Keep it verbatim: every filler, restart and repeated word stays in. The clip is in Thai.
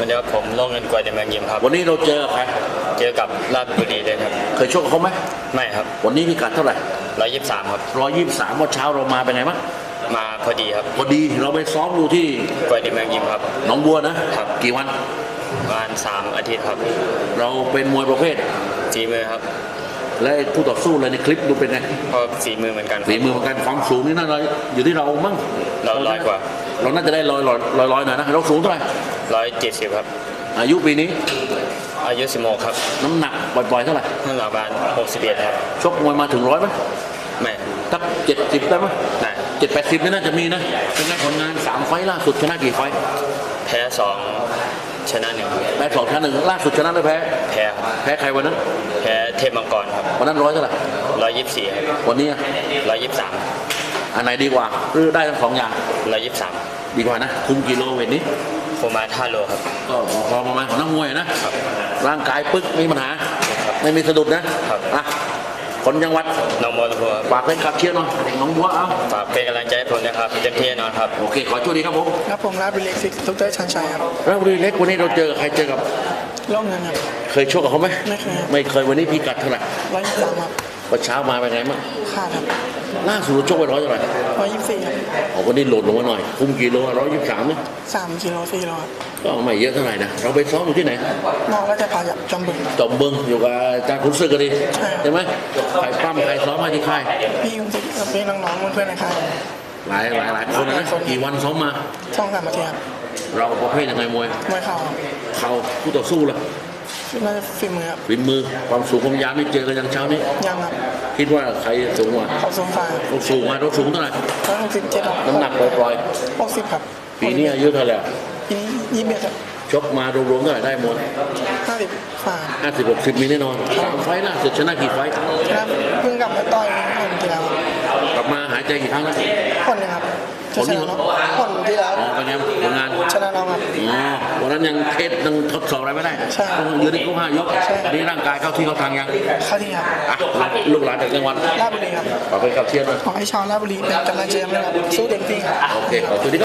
วันนี้ผมลงเงินกวยในเมืองยิมครับวันนี้เราเจอใครเจอกับราชบุรีเลยครับเคยชกกับเขาไหมไม่ครับวันนี้พิกัดเท่าไหร่ร้อยยี่สิบสามครับร้อยยี่สิบสามวันเช้าเรามาเป็นไงบ้างมาพอดีครับพอดีเราไปซ้อมดูที่กวยในเมืองยิมครับหนองบัวนะครับกี่วันประมาณสามอาทิตย์ครับเราเป็นมวยประเภทฝีมือครับและคู่ต่อสู้อะไรในคลิปดูเป็นไงก็ฝีมือเหมือนกันฝีมือเหมือนกันความสูงนี่น่าจะอยู่ที่เรามั้งเราร้อยกว่าเราน่าจะได้ร้อยร้อยร้อยร้อยหน่อยนะเราสูงเท่าไหร่ร้อยเจ็ดสิบครับอายุปีนี้อายุสิบหกครับน้ำหนักบ่อยๆเท่าไหร่น้ำหนักประมาณหกสิบเอ็ดครับชกมวยมาถึงร้อยไหมไม่สักเจ็ดสิบได้ไหมได้เจ็ดแปดสิบนี่น่าจะมีนะเป็นไงผลงานสามไฟล์ล่าสุดชนะกี่ไฟล์แพ้สองชนะหนึ่งแพ้สองชนะหนึ่งล่าสุดชนะหรือแพ้แพ้แพ้ใครวันนั้นแพ้เทพมังกรครับวันนั้นร้อยเท่าไหร่ร้อยยี่สิบสี่ครับวันนี้ร้อยยี่สิบสามอันไหนดีกว่าหรือได้ทั้งสองอย่างร้อยยี่สิบสามดีกว่านะคุมกิโลเวทนี้ประมาณห้าโลครับก็พอประมาณของนักมวยนะร่างกายปึ๊กไม่มีปัญหาไม่มีสะดุดนะอ่ะคนจังหวัดหนองบัวลำพูฝากเป็นขับเชียร์หน่อยหนองบัวเอาฝากเป็นกำลังใจให้ผมนะครับเต็มที่แน่นอนครับโอเคขอโชคดีครับผมครับผมราชบุรีเล็กซิกดรชันชัยครับราชบุรีเล็กวันนี้เราเจอใครเจอกับล่องเงินครับเคยชกกับเขาไหมไม่เคยไม่เคยวันนี้พิกัดเท่าไหร่ร้อยยี่สิบสามครับวันเช้ามาเป็นไงบ้างขาดครับล่าสุดชกไปร้อยเท่าไหร่ร้อยยี่สิบสี่ครับอ๋อวันนี้โหลดลงมาหน่อยคุมกิโลร้อยยี่สิบสามเนี่ยสามกิโลสี่โลก็ไม่เยอะเท่าไหร่นะเราไปซ้อมอยู่ที่ไหนนอกราชพาจากจอมบึงจอมบึงอยู่กับอาจารย์ขุนศึกกันดีใช่ไหมใครปั้มใครซ้อมมาที่ค่ายพี่ยุ้งซิกกับพี่น้องๆเพื่อนๆในค่ายหลายหลายหลายคนนะกี่วันซ้อมมาสองสามอาทิตย์เราประเภทยังไงมวยมวยเข่าเข่าคู่ต่อสู้ล่ะน่าจะฝีมือครับฝีมือความสูงความยาวไม่เจอกันยังเช้านี้ยังครับคิดว่าใครสูงกว่าเขาสูงฝ่าเขาสูงมาเราสูงเท่าไหร่ร้อยหกสิบเจ็ดน้ำหนักปล่อยหกสิบครับปีนี้อายุเท่าไหร่ปีนี้ยี่สิบเอ็ดครับชกมารวมๆเท่าไหร่ได้หมดห้าสิบฝ่าห้าสิบหกสิบมีแน่นอนสามไฟล่าสุดชนะกี่ไฟชนะเพิ่งกลับมาต่อยคนที่แล้วกลับมาหายใจกี่ครั้งแล้วคนนึงครับชนะน้องคนที่แล้วอ๋อเป็นไงผลงานชนะน้องครับอ๋อวันนั้นยังเทสยังทดสอบอะไรไม่ได้ใช่ต้องยืนในกู้ห้ายกนี่ร่างกายเข้าที่เข้าทางยังเข้าที่ครับอ่ะลูกหลานจากจังหวัดราชบุรีครับขอไปขับเชียร์หน่อยขอให้ชาวราชบุรีเป็นกำลังใจให้เราสู้เต็มที่ครับโอเคขอบคุณ